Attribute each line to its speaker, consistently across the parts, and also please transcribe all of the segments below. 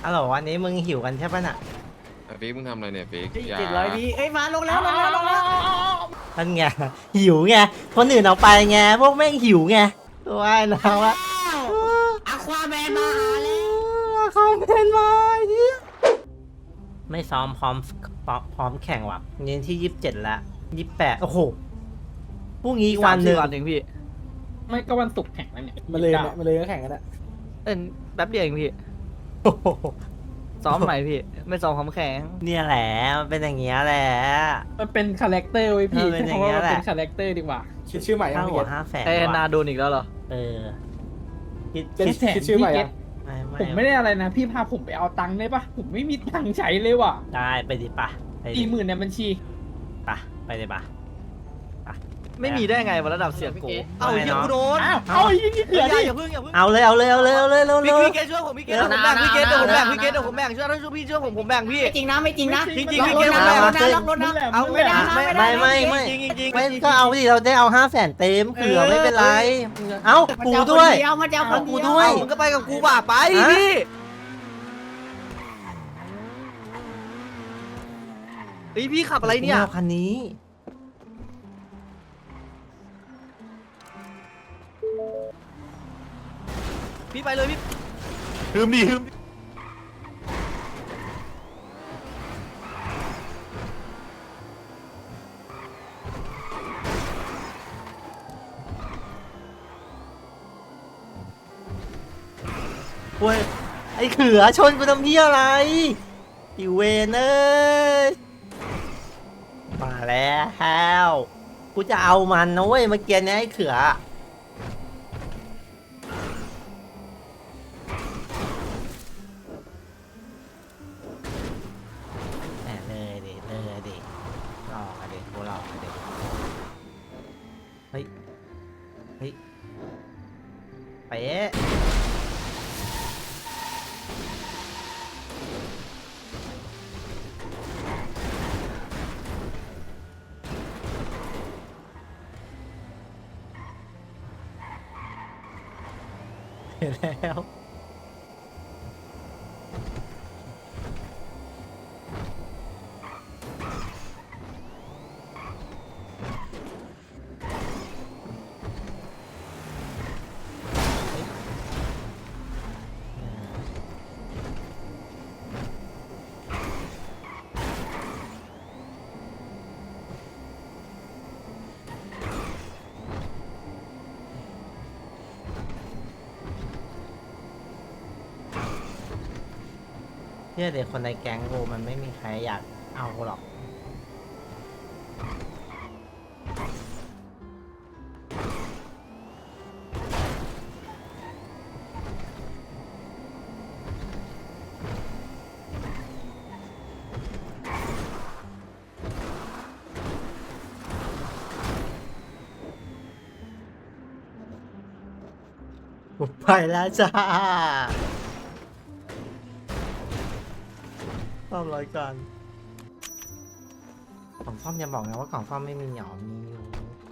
Speaker 1: อ๋อวันนี้มึงหิวกันใช่ปะน่ะ
Speaker 2: ฟิกมึงทำอะไรเนี่ยฟิกอย่า
Speaker 3: 700 วิเอ้ยมาลงแล้ว
Speaker 1: นั่นไงหิวไงคนอื่นเอาไปไงพวกแม่งหิวไงว่ายน้ำวะ
Speaker 3: อะควาแมนมาหาแล้ว
Speaker 1: เขาเป็นมาเหี้ยไม่ซ้อมพร้อมแข่งว่ะนี่ที่27ละ28โอ้โหพรุ่งนี้อีกวันหนึ่ง
Speaker 4: วันหนึ่งพี่
Speaker 5: ไม่ก็วันศุกร์แข่งแล้วเนี่ย
Speaker 4: มาเลยเนี่ยมาเลยก็แข่งกันอะ
Speaker 5: แป๊บเดียวเองพี่
Speaker 1: โอ้โห
Speaker 5: ซ้อมใหม่พี่ ไม่ซ้อมคำแข็ง
Speaker 1: เนี่ยแหละมันเป็นอย่างเงี้ยแหละ
Speaker 5: มันเป็นคาแรคเตอร์ไว้พี่
Speaker 1: เออเป็น
Speaker 5: ใช้
Speaker 1: อย่าง
Speaker 5: คำ
Speaker 1: เงี้
Speaker 5: ว่าย มัน
Speaker 1: แหละ
Speaker 5: เป็นคาแรคเตอร์ดีกว่า
Speaker 4: คิดชื่อใหม่ยั
Speaker 1: ห้าง หัว
Speaker 4: พี่
Speaker 1: 500,000
Speaker 5: ไอ้นา
Speaker 1: ว่ะ
Speaker 5: โดนอีกแล้วเหรอ
Speaker 1: เออคิด
Speaker 4: เป็น
Speaker 5: คิดแผน
Speaker 4: คิดชื่อใหม่
Speaker 5: พี่เก็
Speaker 4: ยั
Speaker 5: ต
Speaker 4: ง
Speaker 5: ผมไม่ได้อะไรนะ พี่พาผมไปเอาตังค์ได้ปะผมไม่มีตังค์ใช้เลยว่ะ
Speaker 1: ได้ไปดิปะไปดิ
Speaker 5: 40,000ในบัญชี
Speaker 1: ปะไปดิปะ
Speaker 5: ไม่มีได้ไงวันระดับเสียโก
Speaker 1: เอาเหี้ยกูโดน
Speaker 5: เอาไอ้ยี่เขือดิ
Speaker 6: อย่าเพิ่งอย่าเพิ่ง
Speaker 1: เอาเลยเอาเลยเอาเลยเอาเลยเร็ว
Speaker 6: พี่
Speaker 1: เร็ว
Speaker 6: เกดช่วยผมพี่เกดผมแบ่งพี่เกดเดี๋ยวผมแบ่งพี่เกดเดี๋ยวผมแบ่งช่วยถ้าช่วยพี่ช่วยผมแบ่งพี่
Speaker 3: ไม่จริงนะไม่จริงนะ
Speaker 6: จริงๆ
Speaker 3: ล็อกรถนะล็อกรถนะล็อกรถนะ
Speaker 6: เอา
Speaker 3: ไม่ได้นะไม่ได้นะ
Speaker 1: ไม่
Speaker 6: จริงจริง
Speaker 1: ไม่ก็เอาดิเราได้เอา500,000เต็มเผื่อไม่เป็นไรเอ้า
Speaker 3: มัน
Speaker 1: กู
Speaker 3: จะเอา
Speaker 1: ด้วย
Speaker 3: คนเดียวมันจะเอาคน
Speaker 1: กู
Speaker 3: เดียว
Speaker 1: ด้วย
Speaker 6: มึงก็ไปกับกูบ่าไปพี่เฮ้ยพี่ขับอะไรเนี่ย
Speaker 1: กูม่าคันนี้
Speaker 6: พี่ไปเลยพี่
Speaker 2: ฮึมดิฮึม
Speaker 1: เว้ยไอ้เขือชนกูทำเพี้ยอะไรอีเวนเอ้ยมาแล้วกูจะเอามันนะเว้ยเมื่อกี้เนี้ยไอ้เขือแหม่เลยดิหลอกอะดิกูหลอกอะดิเฮ้ยเป๊ะ เห็นแล้วเชื่อเด็กคนในแก๊งกูมันไม่มีใครอยากเอากูหรอก กูไปแล้วจ้าซ่อมรายการกล่องซ่อมอย่าบอกนะว่ากล่องซ่อมไม่มีหยอมมีอยู่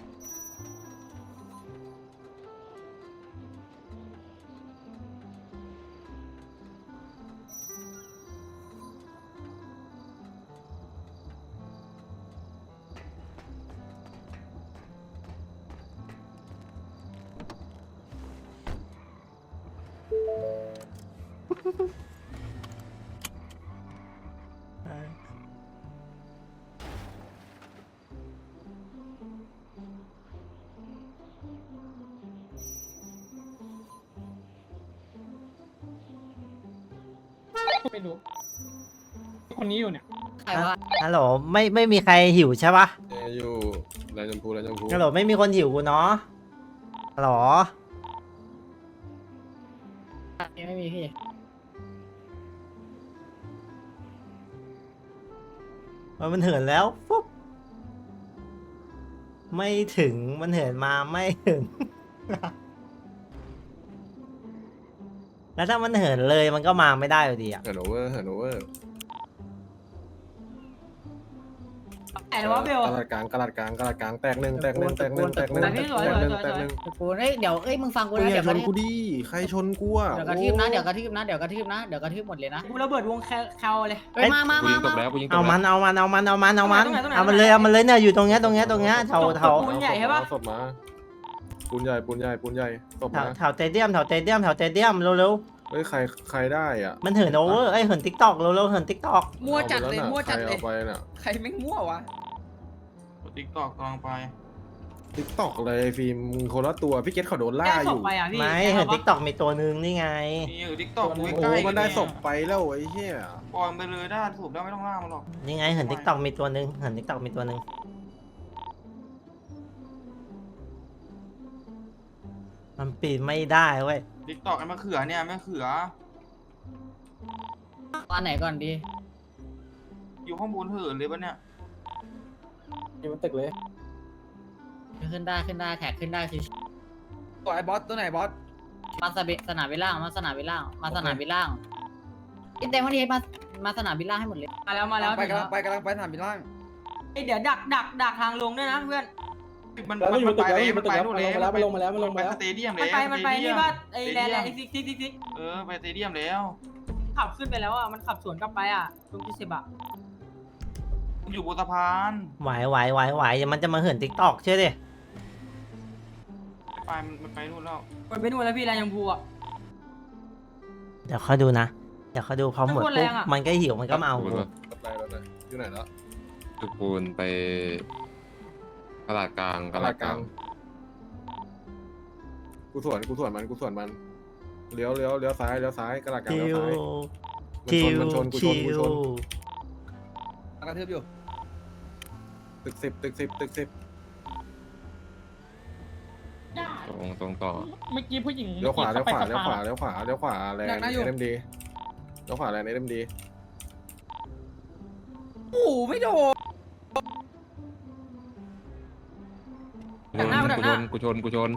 Speaker 5: ไม่รู้ คนนี้อยู่เนี่ย
Speaker 3: ใครวะ
Speaker 1: ฮัลโหลไม่มีใครหิวใช่ปะ
Speaker 2: อยู่ไรชมพูไรชมพู
Speaker 1: ฮัลโหลไม่มีคนหิวกูเนาะฮัลโหล
Speaker 3: ไม่มีพี่
Speaker 1: มันเหินแล้วปุ๊บไม่ถึงมันเหินมาไม่ถึง แล้วถ้ามันเหินเลยมันก็มาไม่ได้อยู่ดีอ่ะ
Speaker 2: เหินโอเวอร์เหินโอเวอร์
Speaker 3: ไหนวะเบล
Speaker 2: กระดาษกลางแตกหนึ่งแตกหนึ่ง
Speaker 3: ตะกูเฮ้ยเดี๋ยวมึงฟังกู
Speaker 2: มึง
Speaker 3: นะ
Speaker 2: อย่า
Speaker 3: เดี๋ยว
Speaker 2: ชนกูดิใครชนกูอ่ะ
Speaker 3: กระทืบนะเดี๋ยวกระทืบหมดเลยนะกูระเบิดวงแคลเลยมา
Speaker 2: กูยิงตกแล้วกูยิงตก
Speaker 1: เอา
Speaker 2: แล้ว
Speaker 1: มันเอามันเลยเนี่ยอยู่ตรงเนี้ยเท่า
Speaker 3: ปูนใหญ่ใช่ปะ
Speaker 2: ศพมาปูนใหญ่ศพมา
Speaker 1: แถวเตเดียมเร็ว
Speaker 2: เฮ้ยใครได้อ่ะ
Speaker 1: ๆมันเหินโอเวอร์เหินติ๊กตอกเร็วๆเหินติ๊กตอก
Speaker 5: มั่วจัดเลย
Speaker 2: เอาไปน่ะ
Speaker 5: ใครแม่งมั่ววะ
Speaker 4: ติ๊กตอกกำลังไป
Speaker 2: ติ๊กตอกเลยฟิล์มมึงคนละตัวพี่เกตเขาโดนล่า
Speaker 3: แก้
Speaker 2: อ
Speaker 3: ศพ
Speaker 2: ยู่
Speaker 3: ไปอ่ะพี่
Speaker 1: ไม่เหินติ๊กตอกมีตัวนึงนี่ไง
Speaker 4: นี่อยู่ติ๊กตอก
Speaker 2: โอ้
Speaker 4: ใกล้
Speaker 2: มันได้ศพไปแล้วไอ้เหี้ย
Speaker 4: ปล่อยมันไปเลยได้ถูกแล้วไม่ต้องล่ามันหรอก
Speaker 1: นี่ไงเหินติ๊กตอกมีตัวนึงมันปีนไม่ได้เว้ย
Speaker 4: ติ๊กตอกไอ้มะเขือเนี่ยมะเขือ
Speaker 3: ตอนไหนก่อนดี
Speaker 4: อยู่ข้างบนเหินเลยปะเนี่ย
Speaker 5: อยู่บนตึกเลย
Speaker 3: ขึ้นได้แท็กขึ้นได้ชิ
Speaker 5: ตัวไอ้บอสตัวไหนบอส
Speaker 3: มาสนามบินล่างอินเตอร์วันนี้มาสนามบินล่างให้หมดเลยมาแล้ว
Speaker 5: ไปกำลังไปสนามบินล่าง
Speaker 3: เดี๋ยวดักทางลงด้วยนะเพื่อน
Speaker 4: มัน
Speaker 5: แล้วอยู่บนตึก
Speaker 4: ไป
Speaker 5: แล้วอยู่บ
Speaker 4: มัน
Speaker 5: ตึก
Speaker 4: ไป
Speaker 5: แล้ว
Speaker 4: นู่นแล้ว
Speaker 5: มันลงมาแล้ว
Speaker 4: ไปสเตเดียม
Speaker 3: มัน
Speaker 4: แล้ว
Speaker 3: ไปนี่ว่าไอ้แลนด์ซิก
Speaker 4: ไปสเตเดียมแล้ว
Speaker 3: ขับขึ้นไปแล้วอ่ะมันขับสวนกลับไปอ่ะตรงที่10อ่ะ
Speaker 4: อยู่บนสะพาน
Speaker 1: ไหวเดี๋ยวมันจะมาเหินติ๊กตอกเชื่อดิ
Speaker 4: ไปมันไปนู่นแล้ว
Speaker 3: มันไปนู่นแล้วพี่แรงยังพูอ่ะ
Speaker 1: เดี๋ยวเขาดูนะพอหมด
Speaker 3: มันโคตรแร
Speaker 1: ปุ๊บ
Speaker 3: งอะ
Speaker 1: มันก็หิวมันก็มาเอากู
Speaker 2: ไปอยู่ไหนแล้ว
Speaker 7: ตึกปูนไปตลาดกลาง
Speaker 2: กูสวนมันเลี้ยวซ้ายกระดาษกลาง
Speaker 1: ชิ
Speaker 2: เลี้ยว
Speaker 1: ว
Speaker 2: ซ้ายมันชนกูชน
Speaker 5: กระทืบอยู่
Speaker 2: ตึกสิบ
Speaker 7: ตรงต่อ
Speaker 5: เมื่อกี้ผู้หญิง
Speaker 2: เลี้ยวขวาแรง
Speaker 5: เอ็มดี
Speaker 2: เลี้ยวขวาแรงเลี้ยวขวาแรงเอ็มดี
Speaker 5: โอ้โหไม่โดน
Speaker 7: กูชน
Speaker 4: ชน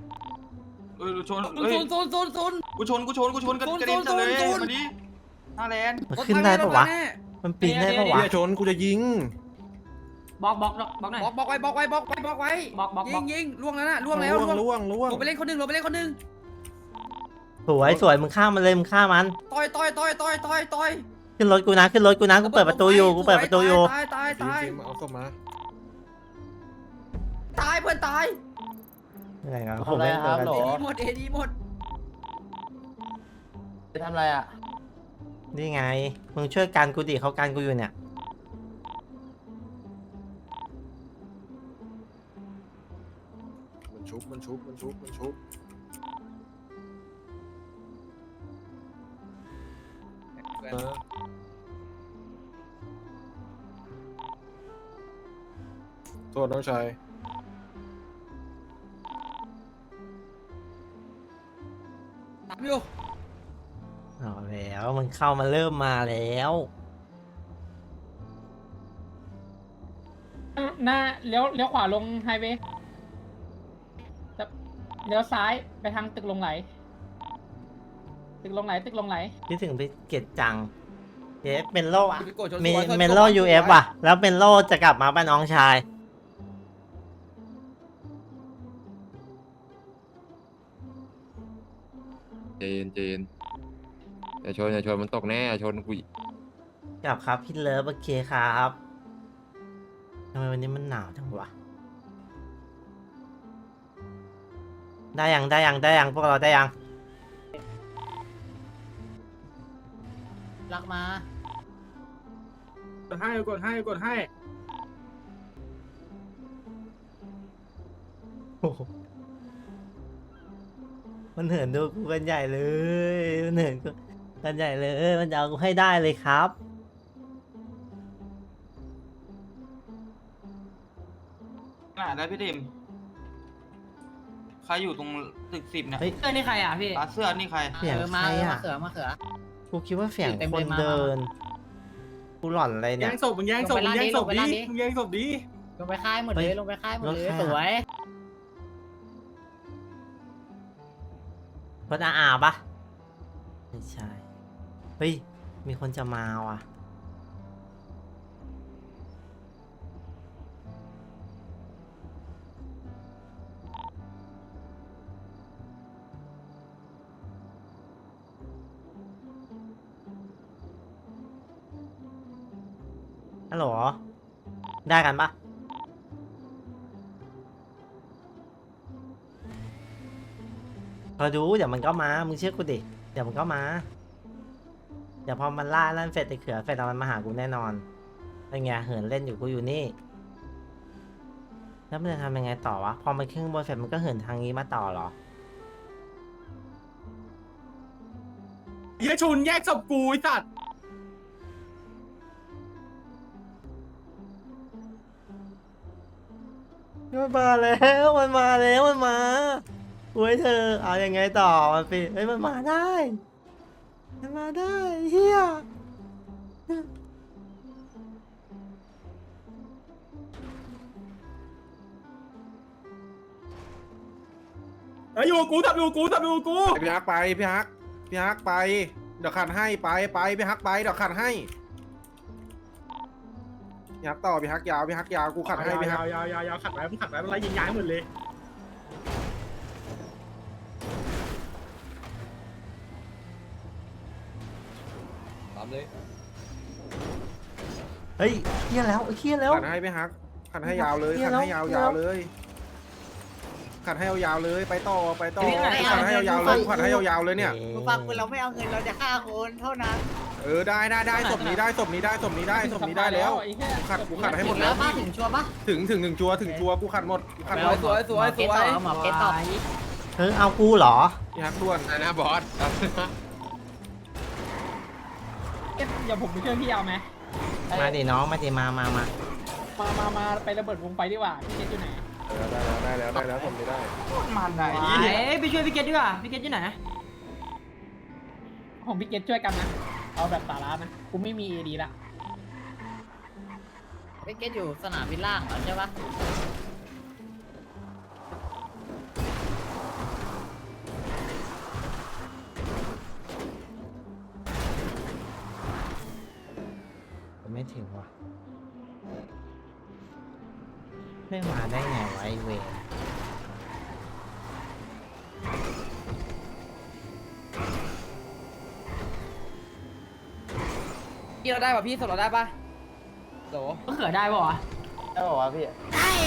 Speaker 5: โซน
Speaker 4: กูชนกระเด็นเลยมาดิหน้าแลน
Speaker 1: มันขึ้นได้ปะวะมันปีนได้ปะวะ
Speaker 2: อย่าชนกูจะยิง
Speaker 3: บล็อกหน่อย
Speaker 5: บล็อกไว้
Speaker 3: บล็อก
Speaker 5: ยิงล่วงแล้วนะล่วงแล้ว
Speaker 2: ล่วง
Speaker 5: ลงไปเล่นคนหนึ่ง
Speaker 1: สวยมึงฆ่ามันเลยมึงฆ่ามัน
Speaker 5: ต่อย
Speaker 1: ขึ้นรถกูนะกูเปิดประตูอยู่
Speaker 5: ตาย
Speaker 2: ฟิล์มเอาศพมา
Speaker 5: ตายเพื่อนตาย
Speaker 1: อะไรกันผมไม่เปิด
Speaker 5: เอดีหมด
Speaker 6: จะทำอะไรอ่ะ
Speaker 1: นี่ไงมึงช่วยกันกูดิเขากันกูอยู่เนี่ย
Speaker 2: มันชุบ โทษน้องชาย
Speaker 5: ตามอยู่
Speaker 1: เอาแล้วมันเข้ามาเริ่มมาแล้ว
Speaker 8: หน้าเลี้ยวขวาลงไฮเวย์เลี้ยวซ้ายไปทางตึกลงไหล ตึกลงไหล
Speaker 1: คิดถึงไปเกตจังเอ๊ะเป็นโลอะ
Speaker 5: พี่โกรธชน
Speaker 1: มี
Speaker 5: สวน
Speaker 1: เมนโล UF ว่ะ แล้วเมนโลจะกลับมาเป็นน้องชาย
Speaker 7: เจนอย่าชนมันตกแน่ชนกู
Speaker 1: กลับครับพี่เลิฟโอเคครับทำไมวันนี้มันหนาวจังวะได้ยังพวกเราได้ยัง
Speaker 3: รักมา
Speaker 5: กดให้
Speaker 1: โอ้โหมันเหินดูกูกันใหญ่เลยมันเหินกูกันใหญ่เลยมันจะเอากูให้ได้เลยครับ
Speaker 4: ได้พี่เดมใครอยู่ตรงตึก10เนี่ย
Speaker 1: เฮ้ย
Speaker 3: เอ้ยนี่ใครอ่ะพี่
Speaker 4: เสื้อนี่ใคร
Speaker 1: เสียงใครอะ
Speaker 3: มาเขือ
Speaker 1: กูคิดว่าเสียง
Speaker 3: เต็ม
Speaker 1: ค
Speaker 3: เล
Speaker 1: น
Speaker 3: ยมา
Speaker 1: เดิน กูหล่อนอะไรเนี่ย
Speaker 5: ศพมึงแย่งศพดิ
Speaker 3: ลงไป
Speaker 5: ดิ
Speaker 3: ลงไปค่ายหมดเลย
Speaker 1: เฮ้ย
Speaker 3: ลงไปค่ายหมดเลย
Speaker 1: รถใครอะ
Speaker 3: สวย
Speaker 1: รถอาปะไม่ใช่ เฮ้ย มีคนจะมาว่ะฮัลโหลได้กันปะพอดูเดี๋ยวมันก็มามึงเชื่อกูดิเดี๋ยวมันก็มาเดี๋ยวพอมันล่านั่นเสร็จไอ้เขือเสร็จแล้วมันมาหากูแน่นอนเป็นไงเหินเล่นอยู่กูอยู่นี่แล้วมันจะทำยังไงต่อวะพอมันขึ้นบนเสร็จมันก็เหินทางนี้มาต่อเหรอ
Speaker 5: เฮียชุนแยกศพกูไอ้สัตว์
Speaker 1: มันมาแล้วมันมาแล้วมันมาโอ้ยเธอเอายังไงต่อมันปิเฮ้ยมันมาได้มันมาได้เฮีย
Speaker 5: อยู่กูทำอยู่กูทำอยู่กู
Speaker 2: พี่ฮักไปพี่ฮักไปเดี๋ยวขัดให้ไปพี่ฮักไปเดี๋ยวขัดให้พี่ฮักต่อพี่ฮักยาวกูขัดให้พี่ฮัก
Speaker 5: ยาวขัดไว้มึงขัดไว้มันไล่ยิงย้ายหมดเลย
Speaker 1: เฮ้ยเฮียแล้วเฮียแล้ว
Speaker 2: ขัดให้พี่ฮักขัดให้ยาวเลย
Speaker 1: เหี้ย
Speaker 2: ขัดให้
Speaker 1: แล้
Speaker 2: ยาว วเลยขัดให้ยาวเลยไปต่อขัดให้ยาวเลยขัดให้ยาวเลยเนี่ย
Speaker 6: มึงฟังกูเราไม่เอาเงินเราจะฆ่าคนเท่านั้น
Speaker 2: ได้ศพนี้ได้แล้ว
Speaker 8: ไอ้เหี้ย
Speaker 2: กูขัดให้หมด
Speaker 6: แล้
Speaker 2: แล้ว ว
Speaker 6: ป้าถึงชัวร์ปะ
Speaker 2: ถึงจัวกูขัดหมดกูขัดหมด
Speaker 6: หมอเกตต่อหมอเกตต่อ
Speaker 1: เฮ้ยเอากูเหรอ
Speaker 2: พี่ฮักด่วน
Speaker 7: อะไรนะบอส
Speaker 8: เอ๊ะเดี๋ยวผมไปช่วยพี่เอาไหม
Speaker 1: มาดิน้องมาดิมา
Speaker 8: มาไประเบิดวงไฟดีกว่าพี่เกตอยู่ไหน
Speaker 2: ได้แล้วผมไม่ได้
Speaker 4: มันไหน
Speaker 3: ไปช่วยพี่เกตดีกว่าพี่เกตอยู่ไหน
Speaker 8: ของพี่เกตช่วยกันนะเอาแบบสาระนะกูไม่มีเอดีละ
Speaker 6: เกตอยู่สนามบินล่างเหรอใช่ปะ
Speaker 1: ไม่ถึงว่ะไม่มาได้ไงวะไอเวร
Speaker 6: พี่เราได้ป่ะพี่สดเราได้ป่ะโห
Speaker 3: ก็เขือได้ป่ะวะ
Speaker 6: เจอหมอเกต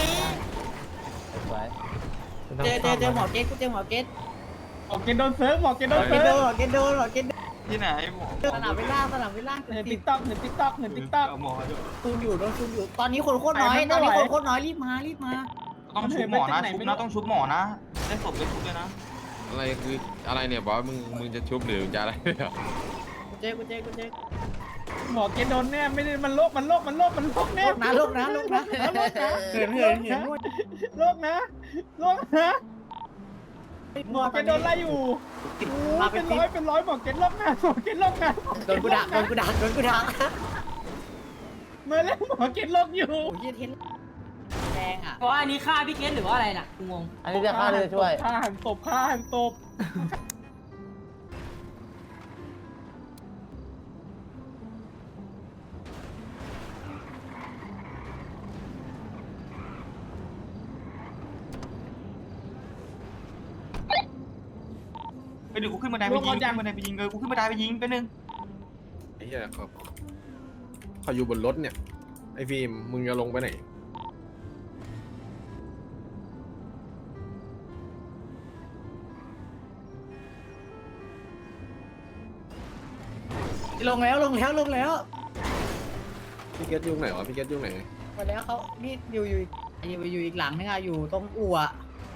Speaker 6: หมอเกต
Speaker 8: หมอเกตโดนเซิร์ฟหมอเกตโดน
Speaker 6: หมอเก
Speaker 8: เซิ
Speaker 6: ต
Speaker 8: ร์ฟ
Speaker 4: ที่ไหนหมอ
Speaker 6: สนามบินล่าง
Speaker 8: เห็นติ๊กต็อกเห็นติ๊กต็อก
Speaker 4: หมอด้วย
Speaker 6: ซูมอยู่โดนซูมอยู่ตอนนี้คนโคตรน้อยรีบมา
Speaker 4: ต้องชุบหมอนะต้องชุบหมอนะได้ศพได้ชุบเลยนะ
Speaker 7: อะไรคืออะไรเนี่ยบอสมึงจะชุบหรือจะอะไรเนี่ย
Speaker 6: กูเจ๊
Speaker 8: หมอเกตโดนแน่ไม่ได้มันโลกแน่
Speaker 6: ลูกนะเหิน
Speaker 8: โลกนะหมอเกตโดนไล่อยู่เป็นร้อยหมอเกตโลกนะหมอเกตโลกนะ
Speaker 6: โดนกูด่า
Speaker 8: มาแล้วหมอเกตโลกอยู่
Speaker 6: โอ้ยเทนแดงอ่ะ
Speaker 3: เพราะอันนี้ฆ่าพี่เกตหรือว่าอะไรน่ะกูงง
Speaker 8: อันนี้จะฆ่าเลยช่วยฆ่าหันศพ
Speaker 4: ไปดูกูขึ้นบันไดไปยิงกูขึ้นบันไดไปยิงไปนึง
Speaker 2: ไอ้เหี้ยเขาอยู่บนรถเนี่ยไอ้ฟิล์มมึงจะลงไปไหน
Speaker 6: ลงแล้ว
Speaker 2: พี่เกตยุ่งไหนวะพี่เกตยุ่งไหน
Speaker 6: มาแล้วเขานี่อยู่อีกหลังนึงอ่ะอยู่ตรงอู่อ่ะ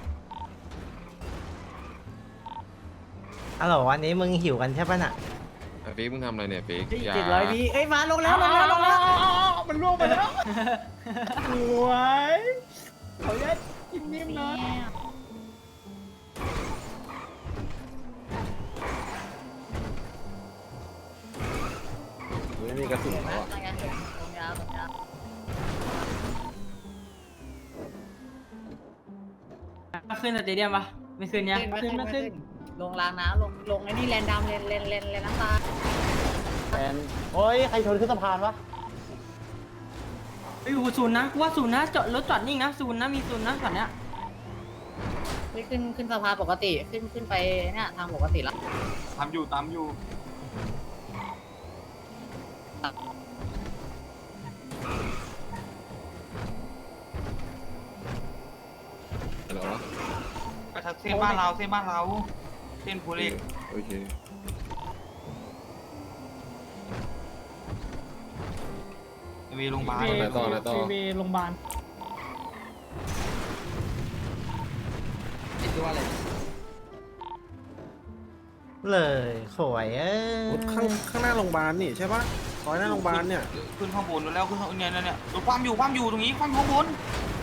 Speaker 1: ฮัลโหลวันนี้มึงหิวกันใช่ปะน่ะ
Speaker 7: ฟิกมึงทำอะไรเนี่ยฟิก
Speaker 6: 700 วิเอ้ยมาลงแล้ว
Speaker 8: มันล่วงไปแล้วสวยขออนุญาตกินนิ่มนะ
Speaker 2: ไม่มีกระสุน
Speaker 6: เห็นไหม
Speaker 2: แล้วอะ
Speaker 6: ตรงยาว
Speaker 3: ขึ้นสเตเดียมปะไม่ขึ้นเนี่ย
Speaker 6: ขึ้นลงรางน้ำลงไอ้นี่แลนดำเลนน้ำตา
Speaker 5: โอ้ยใครชนขึ้นสะพานวะ
Speaker 3: ไปอยู่ศูนย์นะกูว่าศูนย์นะจอดรถจอดนิ่งนะศูนย์นะมีศูนย์นะตอนเนี้ย
Speaker 6: ไม่ขึ้นสะพานปกติขึ้นไปเนี่ยทางปกติแล้ว
Speaker 4: ตามอยู่เส้นบ้านเราเส้นบ้านเราเส้นโพเล็ก
Speaker 7: โอเค
Speaker 4: วีโรงพยาบาล
Speaker 5: ฟรีเวย์โรงพยาบาล
Speaker 1: เลยโขวย
Speaker 2: ข้างหน้าโรงพยาบาลนี่ใช่ปะซอยหน้าโรงพยาบาลเนี่ย
Speaker 4: ขึ้นข้างบนแล้วขึ้นข้างเนี่ยรถความอยู่ตรงนี้ความข้างบน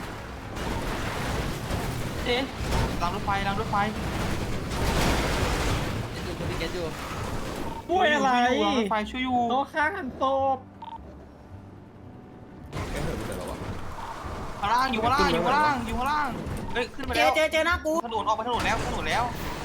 Speaker 4: เจ๊รางรถไฟ
Speaker 5: ปุ้ยอะไร
Speaker 4: รางรถไฟช่วยอยู่
Speaker 5: โต๊ะข้างหันโต๊ะ
Speaker 4: ข้างล่างอยู่ข้างล่างเฮ้ยขึ้นไปแล้ว
Speaker 6: เจอหน้ากู
Speaker 4: ถนนออกไปถนนแล้ว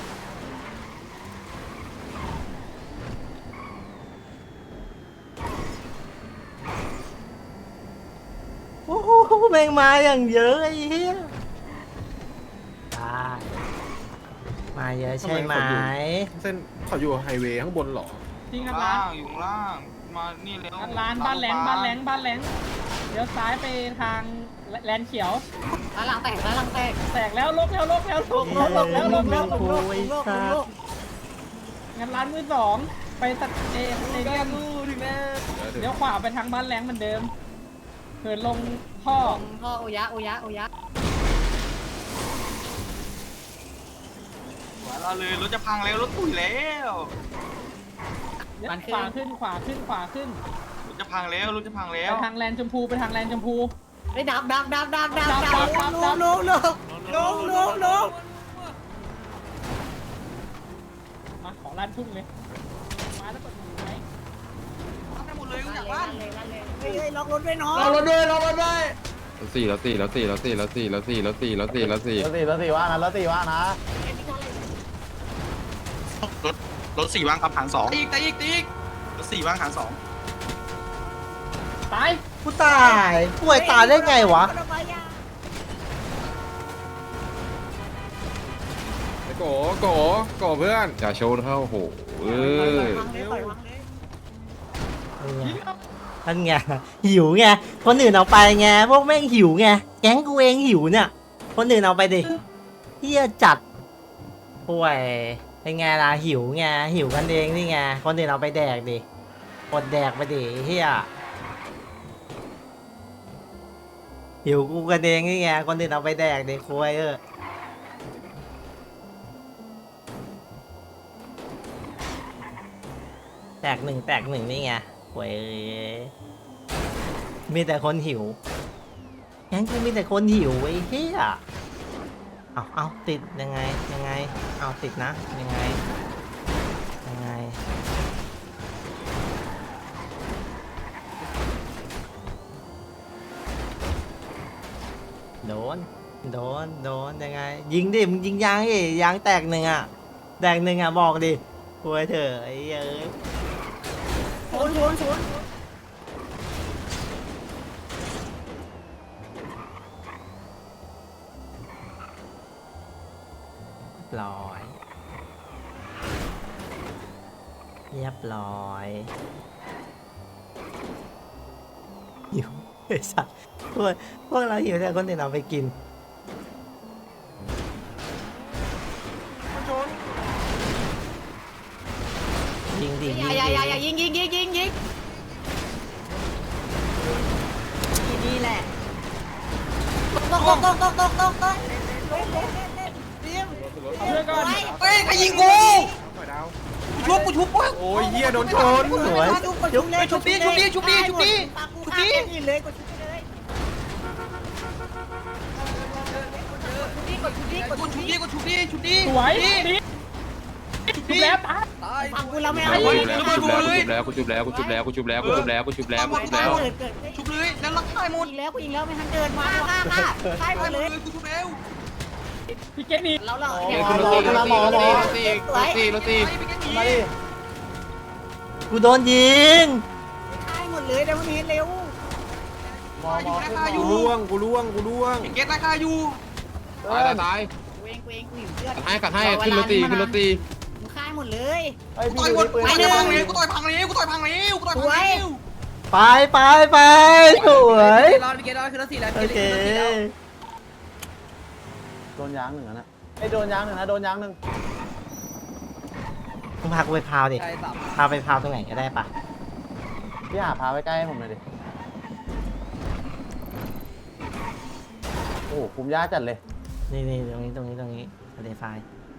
Speaker 1: โอ้โหแม่งมาอย่างเยอะไอ้เหี้ยตายมาเยอะใช่ไหม
Speaker 2: เส้นเขาอยู่ไฮเวย์ข้างบนเหรอ
Speaker 5: จริงงั
Speaker 4: ข้าง
Speaker 5: ดร้า
Speaker 4: ล่าน งอยู่ข้างล่างมานี่เร็ว
Speaker 5: งัดร้านบ้านแหลงเดี๋ยวซ้ายไปทางแลนเขียว
Speaker 6: ร้านหลังแตก
Speaker 5: แตกแล้วลบแล้วงัดร้านมือสองไปตัดเอเดียมเดี๋ยวขวาไปทางบ้านแหลงเหมือนเดิมเหินลงท่อ
Speaker 6: พ่อโอยะ
Speaker 4: เราเลยรถจะพังแล้วรถตุ๋ยแล้ว
Speaker 5: ขวาขึ้น
Speaker 4: รถจะพังแล้ว
Speaker 5: ไปทางแลนชมพูไปทางแลนชมพู
Speaker 6: ไปดับลง
Speaker 5: มาขอลานทุ่งเลยมาแล้วกดไหน
Speaker 4: ทำได้หมดเลยกูอยากบ้าน
Speaker 6: เฮ้ยล็อกรถด้วยน้อง
Speaker 8: เรารถด้วย
Speaker 7: แล้วสี่
Speaker 9: รถ4ว่างครับหาง2
Speaker 4: ตีก
Speaker 9: รถ4ว่างหาง2
Speaker 5: ตาย
Speaker 1: กูตายป่วยตายได้ไงวะ
Speaker 2: ไอ้โกเพื่อน
Speaker 7: อย่าโชว์เข้าโหเออ
Speaker 1: ท่านไงหิวไงคนอื่นเอาไปไงพวกแม่งหิวไงแก๊งกูเองหิวเนี่ยคนอื่นเอาไปดิเฮียจัดป่วยเป็นไงล่ะหิวไงหิวกันเองนี่ไงคนอื่นเอาไปแดกดิอดแดกไปดิเฮียหิวกูกันเองนี่ไงคนอื่นเอาไปแดกดิคุยแตกหนึ่งนี่ไงคุยมีแต่คนหิวงั้นกูมีแต่คนหิวไอ้เหี้ยเอาติดยังไงเอาติดนะยังไงโดนยังไงยิงดิมึงยิงยางดิยางแตกหนึ่งอ่ะบอกดิคุยเถอะไอ้เอ้ยเรียบร้อยหิวไอ้สัสพวกเราหิวแต่คนอื่นเอาไปกินยิงดิ
Speaker 6: อย่ายิงนี่แหละตก
Speaker 5: เพื่อนก่อน
Speaker 4: เฮ้ยใครยิงกู
Speaker 2: ปล่อยดาว
Speaker 4: กูชุบวะ
Speaker 2: โอ้ยเหี้ยโดนชน
Speaker 1: สวย
Speaker 4: ชุบดิ
Speaker 6: เลยกดชุบเลย
Speaker 4: ชุบดิ
Speaker 5: สวยดีชุบแล้วตาย
Speaker 6: ฟังกูแล้วไม่
Speaker 7: กู
Speaker 6: เอา
Speaker 7: ชุบแล้ว
Speaker 4: ชุบเลยแล้วรักใครหมด
Speaker 6: ยิงแล้วไม่ทันเดินมาใช่หมดเลย
Speaker 4: กูชุบแล้ว
Speaker 5: พี่เกตนี่
Speaker 6: แล้วเรา
Speaker 7: ขึ้นรถตี
Speaker 1: กูโดนยิง
Speaker 6: ใช่หมดเลยเดี๋ยวมันเห็นเร็ว
Speaker 2: กูล่วง
Speaker 4: เก็ตราคาอยู่
Speaker 7: ตาย
Speaker 6: กูเองกูอยู่เพื่อน
Speaker 7: กัดให้ขึ้นรถตี
Speaker 6: มึงค่ายหมดเลย
Speaker 4: ต่อยหมดไปเลยกูต่อยพังเลย
Speaker 1: ไปสวย
Speaker 3: รอดพี่เกดรอดคือรถ4แล้ว
Speaker 1: โอเค
Speaker 8: โดนยางหนึ่งนะไอ้โดนยางหนึ่งนะโดนยางหนึ่ง
Speaker 1: มึงพากูไปพาวดิพาไปพาวตรงไหนก็ได้ปะ
Speaker 8: พี่หาพาไปใกล้ให้ผมหน่อยดิโอ้โหคุมยากจัดเลย
Speaker 1: นี่ตรงนี้ทะเลทราย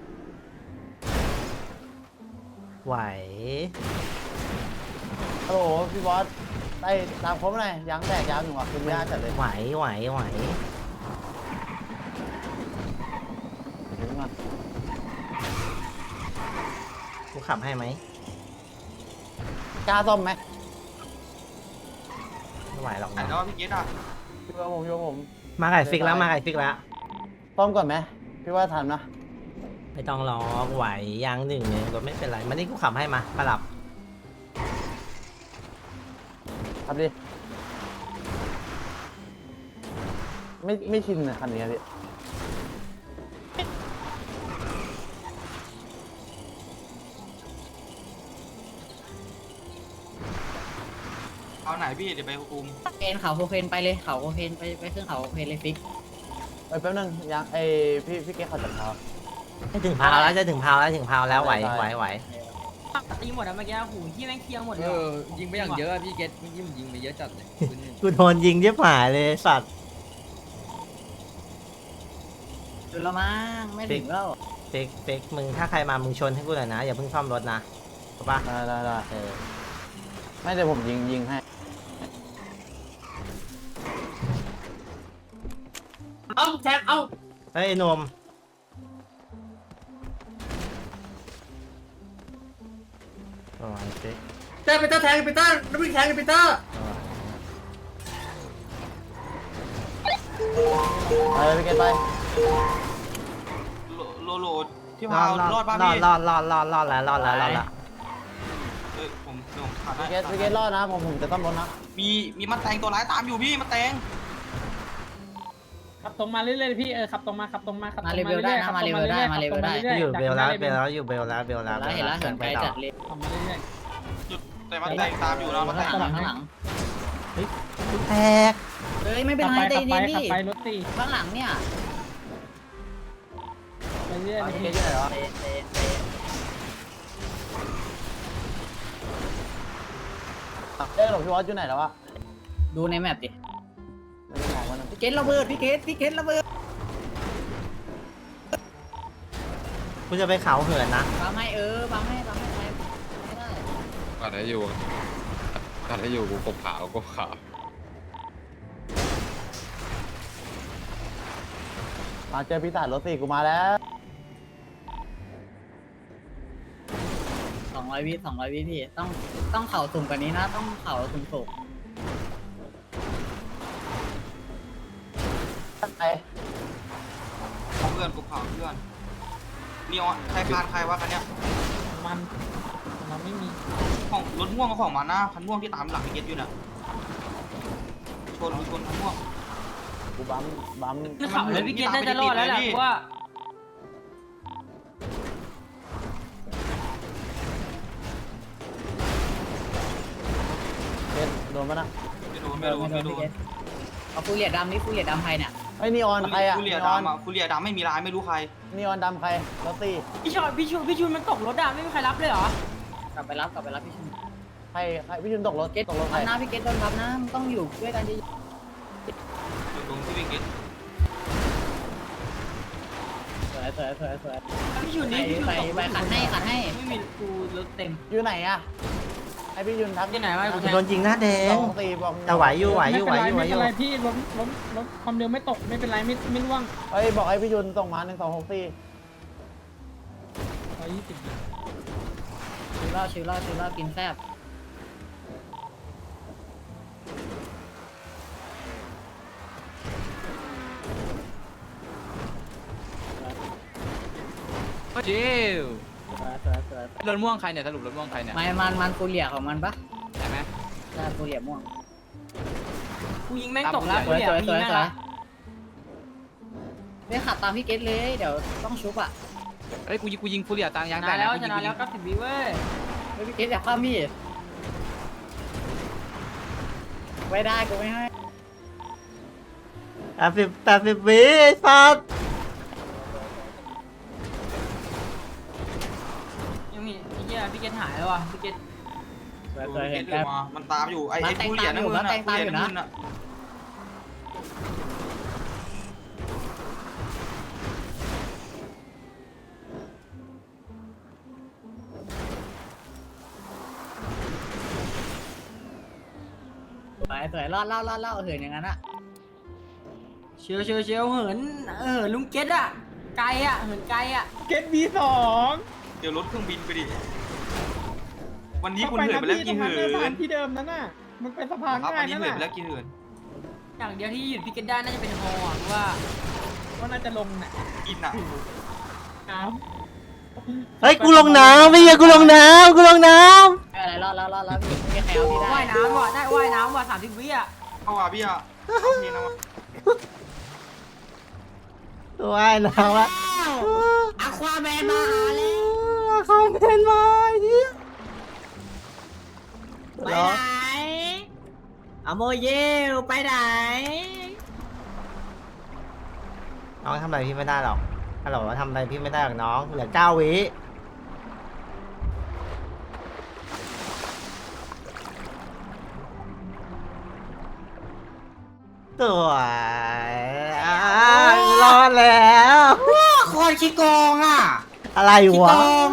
Speaker 1: ไหว
Speaker 8: ฮัลโหลพี่บอสได้ตามครบหน่อยยางแตกยางหนึ่งว่ะคุมยากจัดเลย
Speaker 1: ไหว
Speaker 8: เดี๋ยวก่อน
Speaker 1: กูขับให้ไหม
Speaker 8: กล้าซ่อมไหม
Speaker 1: ไม่ไหวหรอก
Speaker 4: ไหน
Speaker 1: นะ
Speaker 4: แล้วพี่เกตอ่ะ
Speaker 8: พี่ว่าผม
Speaker 1: มาไก่ฟิกแล้ว
Speaker 8: ซ่อมก่อนไหมพี่ว่าทันนะ
Speaker 1: ไม่ต้องรอไหวยางหนึ่งเนี่ยรถไม่เป็นไรมานี่กูขับให้มาปรับ
Speaker 8: ครับดิไม่ชินนะคันนี้พี่
Speaker 4: เอาไหนพี่เดี๋ยวไปคุม
Speaker 6: เคนเขาโคเคนไปเลยเขาโคเคนไปเครื่องเขาโคเคนเลยฟิก
Speaker 8: แป๊บนึงยางพี่เก๊เขาจับเท้า
Speaker 1: จะถึงพาวแล้วไหว
Speaker 3: ตีหมดอะเมื่อกี้หูที่แม่งเคียงหมดเลย
Speaker 10: ยิงไปอย่างเยอะอะพี่เกตเมื่อกี้มันยิงไปเยอะจัดเลย
Speaker 1: กูโดนยิงเย็บหายเลยสัตว์
Speaker 6: ดูและมั้งไม่ถึงแล้ว
Speaker 1: ฟิกมึงถ้าใครมามึงชนให้กูหน่อยนะอย่าเพิ่งซ่อมรถนะถูกปะ
Speaker 8: ได้ไม่เดี๋ยวผมยิงให้
Speaker 3: เอาแทงเอา
Speaker 1: เฮ้ยไอ้หนมโอ้ยฟิก
Speaker 3: แทงไปต้าน้ำพริกแทงไปต้า
Speaker 8: ไปเลยพี่เก๊ไป
Speaker 4: โลที่พารอดป่ะพี่
Speaker 1: รอดแล้ว
Speaker 4: ผมขาด
Speaker 8: พี่เก๊รอดนะผมจะซ่อมรถนะ
Speaker 4: มีมันแตงตัวร้ายตามอยู่พี่มันแตง
Speaker 5: ขับตรงมาเรื่อยๆพี่ขับตรงมาขับตรงมาขับตรง
Speaker 6: มาเลเวลได้นะมาเลเวลได้มาเลเวลได้
Speaker 1: อยู่เบลแล้วอยู่เบลแล้ว
Speaker 6: เห็นแล้วเหินไกลจัดเลย
Speaker 5: ขับมาเรื่อย
Speaker 4: จุดแต่มันแตงตามอยู่นะมันแตง
Speaker 6: ข้างหลังข้างหลัง
Speaker 1: กูแตก
Speaker 6: เฮ้ยไม่
Speaker 5: ๆ
Speaker 6: เป็นไรใจเย็นดิ
Speaker 5: ขับไปรถตี
Speaker 6: ข้างหลังเนี่ย
Speaker 5: ไปเรื่อย
Speaker 8: พี่เก๊อยู่ไหนวะหลบพี่วอสอยู่ไหนแล้ววะ
Speaker 6: ดูในแมปดิ
Speaker 8: ไม่ได้มองมัน
Speaker 6: พี่เกตระเบิดพี่เกตระเบิด
Speaker 1: กูจะไปเขาเหินนะ
Speaker 6: บังให้บังให้ไปไม่ได้
Speaker 7: กัดให้อยู่กูกบขาว
Speaker 8: มาเจอปีศาจรถสี่กูมาแล้ว
Speaker 6: 200 วิพี่ต้องเข่าสุ่มกว่านี้นะต้องเข่าสุ่มสุก
Speaker 8: ไป
Speaker 4: เพื่อนกูเผาเพื่อนมีใครคานใครวะคันเนี้ย
Speaker 5: มันเราไม่มี
Speaker 4: ของรถม่วงกับของมันนะคันม่วงที่ตามหลังพี่เกตอยู่น่ะชนคันม่วง
Speaker 8: กูบัม
Speaker 3: ขับเลยพี่เกตน่าจะรอดแล้วแหละเพราะว่า
Speaker 8: เก๊โดนปะนะ
Speaker 4: ไม่โดน
Speaker 6: เอาฟูเรียดำนี่ฟูเรียดำใครเนี่ย
Speaker 8: ไอ้นีออนใครอะ
Speaker 4: ฟูเรียดำอ่ะฟูเรียดำไม่มีลายไม่รู้ใคร
Speaker 8: นีออนดำใครรถสี่
Speaker 3: พี่ชุนมันตกรถอะไม่มีใครรับเลยเหรอก
Speaker 6: ลับไปรับพี่ชุน
Speaker 8: ใครพี่ชุนตกรถ
Speaker 6: เกต
Speaker 8: ตกรถใคร
Speaker 6: นะพี่เกตโดนทับนะมึงต้องอยู่ด้วยกันดี
Speaker 4: อยู่ตรงที่พี่เกต
Speaker 6: สวย
Speaker 3: พี่ชุนนี่พี่ชุน
Speaker 6: ไป
Speaker 3: ตก
Speaker 6: ไปขัดให้
Speaker 3: ไม่มีกูรถเต็ม
Speaker 8: อยู่ไหนอะไอพี่ชุนทัก
Speaker 3: ที่ไหนวะกู
Speaker 1: โดนยิงหน้าแดง
Speaker 8: 2-4บอก
Speaker 1: แต่ไหวอยู่
Speaker 5: ไม่เป็นไรพี่รถความเร็วไม่ตกไม่เป็นไรไม่ร่วง
Speaker 8: เฮ้ยบอกไอพี่ชุนส่งมา1264
Speaker 5: 120
Speaker 6: ชิวเล่ากินแซ่บ
Speaker 10: จิว
Speaker 6: สวย
Speaker 10: รถม่วงใครเนี่ยสรุปรถม่วงใครเนี่ย
Speaker 6: มันฟูเรียของมันปะ
Speaker 10: ใช่ไหม
Speaker 6: ใช่ฟูเรียม่วง
Speaker 3: กูยิงแม่งตกแล้ว
Speaker 6: ส
Speaker 3: กู
Speaker 6: วย
Speaker 3: เนี่ยยิงแม่งละ
Speaker 6: ไม่ขับตามพี่เกตเลยเดี๋ยวต้องชุบอ่ะ
Speaker 10: เอ้ยกูยิงฟูเรียตางยาง
Speaker 3: ช
Speaker 10: แต
Speaker 3: นะ
Speaker 10: ก
Speaker 3: แล้ว
Speaker 10: กู
Speaker 3: ช
Speaker 10: ยิง
Speaker 3: นะแล้ว90 วิเว้ย
Speaker 6: พี่เกตอยากข้ามพี่ไม่ได้กูไม่ให้
Speaker 1: 80 วิไอ้สัตว์
Speaker 3: ว่ะพี่เกต
Speaker 6: เคยเห็น
Speaker 4: อยู่มามันตามอยู่ไอ้ฟูเรียน้ำเงิน
Speaker 6: มันแต่งตามอยู่นะ
Speaker 4: ฟูเรีน้ำเงินอะ
Speaker 6: สวยรอดเหินอย่างนั้นอะ
Speaker 3: เชียวเหินลุงเกตอะไกลอะเหินไกลอะ
Speaker 8: เกต V2
Speaker 4: เดี๋ยวรถเครื่องบินไปดิ วันนี้คุณเหินไปแล้วกี่
Speaker 8: ตรง
Speaker 4: เหิ
Speaker 8: นั้นสะพาน
Speaker 4: น
Speaker 8: ที่เดิมนั่นน่ะมันเป็นสะพาน
Speaker 4: ครับ
Speaker 8: ง่า
Speaker 4: วั
Speaker 8: ย
Speaker 4: นนี้
Speaker 8: นั่น
Speaker 4: เหินไป
Speaker 8: น่ะ
Speaker 4: แล้วกี่เหิน
Speaker 3: อย่างเดียวที่หยุดพี่เกตได้น่าจะเป็นฮออะเพราะว่า
Speaker 8: ก็น่าจะลงน่ะ
Speaker 4: กินอ่ะ
Speaker 8: น้
Speaker 1: เฮ้ยกูลงน้ำไม่ใช่กูลงน้ำกูลงน้
Speaker 6: อะไรรอดพี่ไม่มีใครเอาพี่ได้
Speaker 3: ว่ายน้ำว่ะได้ว่ายน้ำว่ะ30 วิอะ
Speaker 4: เข้าว่าพี่อ่ะเอาเพลงนะวะ
Speaker 1: ำว่ายน้ำวะ
Speaker 6: อะควาแมนมาหาแล้ว
Speaker 1: เขาเป็นมาเฮีย
Speaker 6: ไปไหนอะโมเยลไปไหน
Speaker 1: น้องทำอะไรพี่ไม่ได้หรอกฮัลโหลทำอะไรพี่ไม่ได้หรอกน้องเหลือ9 วิสวยรอดแล้ว
Speaker 6: โคตรขี้โกงอ่ะ
Speaker 1: อะไร
Speaker 6: ขี้
Speaker 1: วะ
Speaker 6: โกง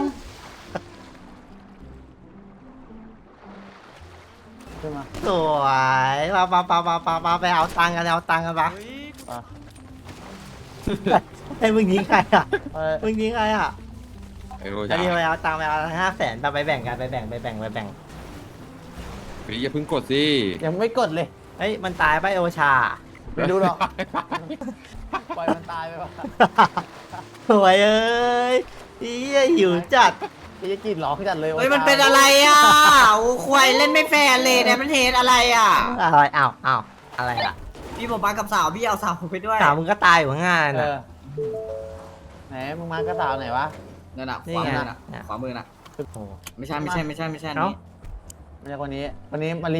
Speaker 1: สวยมาไปเอาตังค์กันปะไอ้มึงยิงใครอ่ะมึงยิงใครอ่ะ
Speaker 7: ไอ้โร
Speaker 1: จะ
Speaker 7: ชา
Speaker 1: ดีไปเอาตังค์ไปเอา500,000ไปแบ่งกันไปแบ่ง
Speaker 7: พี่อย่าเพิ่งกดสิ
Speaker 8: ยังไม่กดเลย
Speaker 1: เฮ้ยมันตายไปโอชา
Speaker 8: ไม่รู้หรอกปล่อยมันตายไปวะ
Speaker 1: สวยเอ้ยหิวจัด
Speaker 8: จะกินหรอจัดเลย
Speaker 6: เฮ้ยมันเป็นอะไรอ่ะโอ้ควายเล่นไม่แฟร์เลยเนี่ยมันเทสอะไรอ่ะ
Speaker 1: อะไรอ้าวอะไรอ่ะ
Speaker 6: พี่ผมมากับสาวพี่เอาสาวผมไปด้วย
Speaker 1: สาวมึงก็ตายอยู่ข้างหน้าน่ะ
Speaker 8: ไหนมึงมากระสาวไหนวะ
Speaker 6: นั่นน่ะ
Speaker 1: นี่
Speaker 6: ขวา
Speaker 1: ไง
Speaker 6: มือน่ะ
Speaker 1: เนี่ย
Speaker 6: ขวามือน่ะ
Speaker 1: โอ้โห
Speaker 6: ไม่ใช่
Speaker 1: เอ้า
Speaker 6: นี่
Speaker 8: ไม่ใช่คนนี้มารี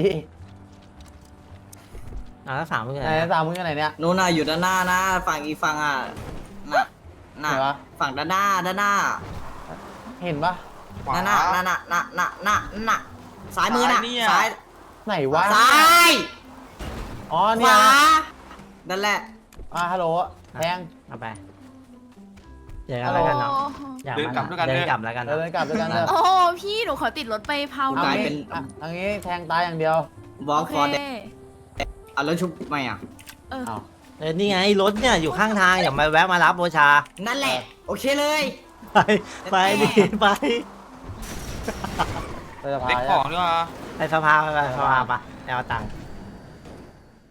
Speaker 1: แล้วสาวมึงอยู่
Speaker 8: ไห
Speaker 1: ไห
Speaker 8: น
Speaker 1: น
Speaker 8: สาวมึงอยู่ไหนเนี่ย
Speaker 6: นู่นน่ะอยู่ด้านหน้านะฝั่งอีกฝั่งอ่ะน่ะ
Speaker 8: ไหนวะ
Speaker 6: ฝั่งด้านหน้า
Speaker 8: เห็นปะ
Speaker 4: ขวา
Speaker 6: นั่นน่ะซ้ายมือน่ะ
Speaker 4: ซ้ายเนี่ย
Speaker 6: ซ้าย
Speaker 8: ไหนวะ
Speaker 6: ซ้าย
Speaker 8: อ๋อ
Speaker 6: ข
Speaker 8: เนี่ยว
Speaker 6: านั่นแหละ
Speaker 8: ฮัลโหลแทง
Speaker 1: เอาไปเจอกันแล้วกันเนาะอยาก
Speaker 4: เดินกลับด้วยกัน
Speaker 1: เดิน
Speaker 4: เด้อ
Speaker 1: กลับแล้วกัน
Speaker 8: เดิ
Speaker 1: เนาะ
Speaker 8: นกลับด้วยกันเถอะ
Speaker 5: โอ้พี่หนูขอติดรถไปเผาห
Speaker 6: ก
Speaker 5: น่
Speaker 6: ลา
Speaker 5: อย ย
Speaker 6: เป็น
Speaker 8: ทางนี้แทงตายอย่างเดียว
Speaker 6: บอ
Speaker 5: โอ
Speaker 6: ล
Speaker 5: เค
Speaker 6: คอเด็กอ่ะแล้วชุบไม่อ่ะ
Speaker 5: เออ
Speaker 1: นี่ไงรถเนี่ยอยู่ข้างทางอย่ามาแวะมารับโอชา
Speaker 6: นั่นแหละ โอเคเลย
Speaker 1: ไปดิไป
Speaker 8: ไปสะพา
Speaker 4: เด็ก
Speaker 8: น
Speaker 4: ของด้วยวะ
Speaker 1: ไปสภาไปเอาตังค์